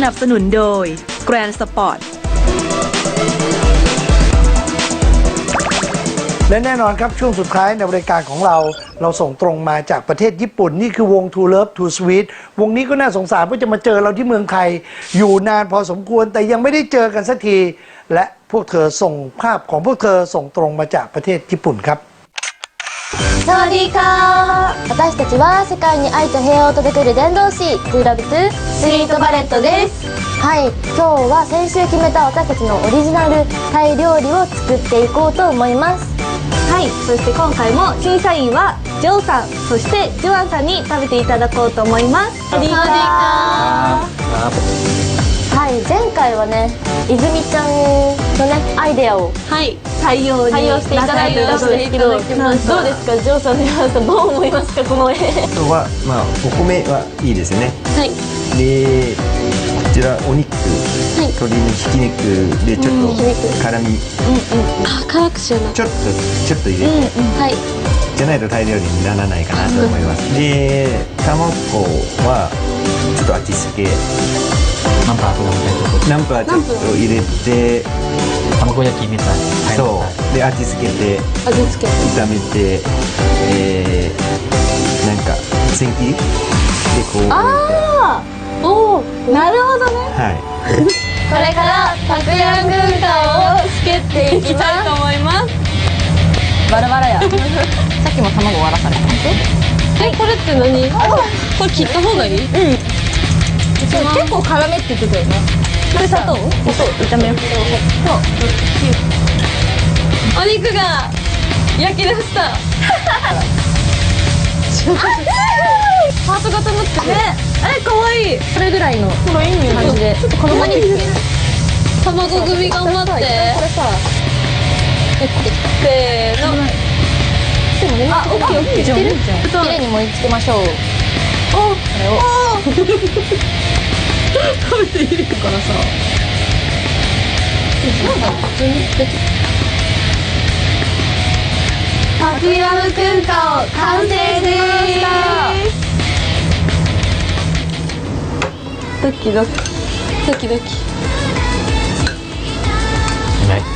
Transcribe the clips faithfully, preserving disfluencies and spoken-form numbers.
นับสนุนโดย Grand Sport และแน่นอนครับช่วงสุดท้ายในรายการของเราเราส่งตรงมาจากประเทศญี่ปุ่นนี่คือวง True Love Too Sweet วงนี้ก็น่าสงสารว่าจะมาเจอเราที่เมืองไทยอยู่นานพอสมควรแต่ยังไม่ได้เจอกันสักทีและพวกเธอส่งภาพของพวกเธอส่งตรงมาจากประเทศญี่ปุ่นครับสวัสดีค่ะ私たちは世界に愛と平和を届ける伝道師 True Love Too Sweet Ballet ですはい今日は先週決めた私たちのオリジナルタイ料理を作っていこうと思いますはい、そして今回も審査員はジョーさん、そしてジョアンさんに食べていただこうと思います。 สวัสดีค่ะはい前回はね泉ちゃんのねアイデアをはい採用に採用していただいたんですけどどうですかジョーさんジョアンさんどう思いますかこの絵あとはまあお米はいいですよねはいでこちらお肉、 い鶏のひき肉でちょっと辛み、 あ辛くしようなちょっとちょっと入れて、 はいじゃないとタイ料理にならないかなと思いますで卵はちょっと味付けナンプラーとかみたいなとこナンプラーちょっと入れて卵焼きみたいなそうで味付けて味付け炒めてえー、なんか千切りでこうあーおーなるほどねはいこれからたくやん軍艦をつけていきたいと思いますバラバラやさっきも卵割らされたえ、これって何これ切った方がいいうん結構辛めって言ってたよねこれ砂糖砂糖炒めようお肉が焼き出したハート型になってねえ、かわいいこれぐらいの感じでちょっとこのままに卵組頑張ってこれさせーのでもね、あ、オッケーオッケー綺麗に盛り付けましょうおこれを食べているからさなんだ普通にたくやむくんかお完成ですドキドキドキドキうまい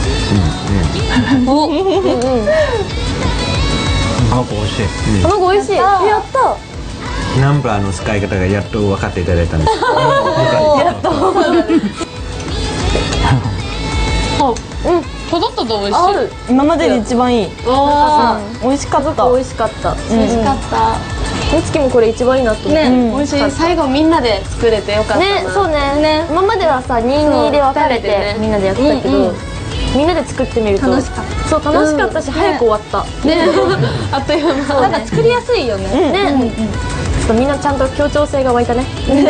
お、うんうん卵美味しい卵美味しいやったナンプラーの使い方がやっと分かっていただいたんですやっとうんただただ美味しいある今までで一番いい。 あ美味しかった。 美味しかった美味しかったみつきもこれ一番いいなと思ってね、 美味しい最後みんなで作れてよかったねそうね今まではさにたいにで分かれてみんなでやってたけどみんなで作ってみると楽しかったそう楽しかったし早く終わったねあっという間なんか作りやすいよねねちょっとみんなちゃんと協調性が湧いたね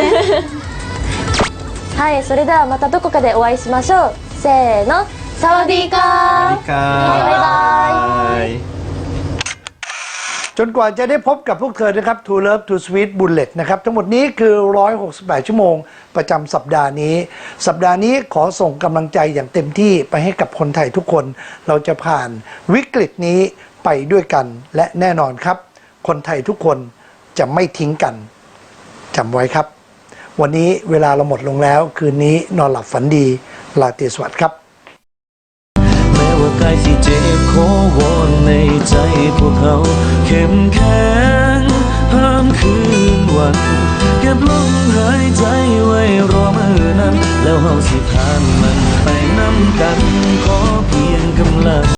はいそれではまたどこかでお会いしましょうせーのサワディーカーバイバイจนกว่าจะได้พบกับพวกเธอนะครับ True Love Too Sweet Bullet นะครับทั้งหมดนี้คือหนึ่งร้อยหกสิบแปดชั่วโมงประจำสัปดาห์นี้สัปดาห์นี้ขอส่งกำลังใจอย่างเต็มที่ไปให้กับคนไทยทุกคนเราจะผ่านวิกฤตนี้ไปด้วยกันและแน่นอนครับคนไทยทุกคนจะไม่ทิ้งกันจำไว้ครับวันนี้เวลาเราหมดลงแล้วคืนนี้นอนหลับฝันดีลาตรีสวัสดิ์ครับแม้ว่ากายที่เจ็บขอวอนในใจพวกเขาเข้มแข็งห้ามคืนวันเก็บลมหายใจไว้รอมือนั้นแล้วเฮาสิผ่านมันไป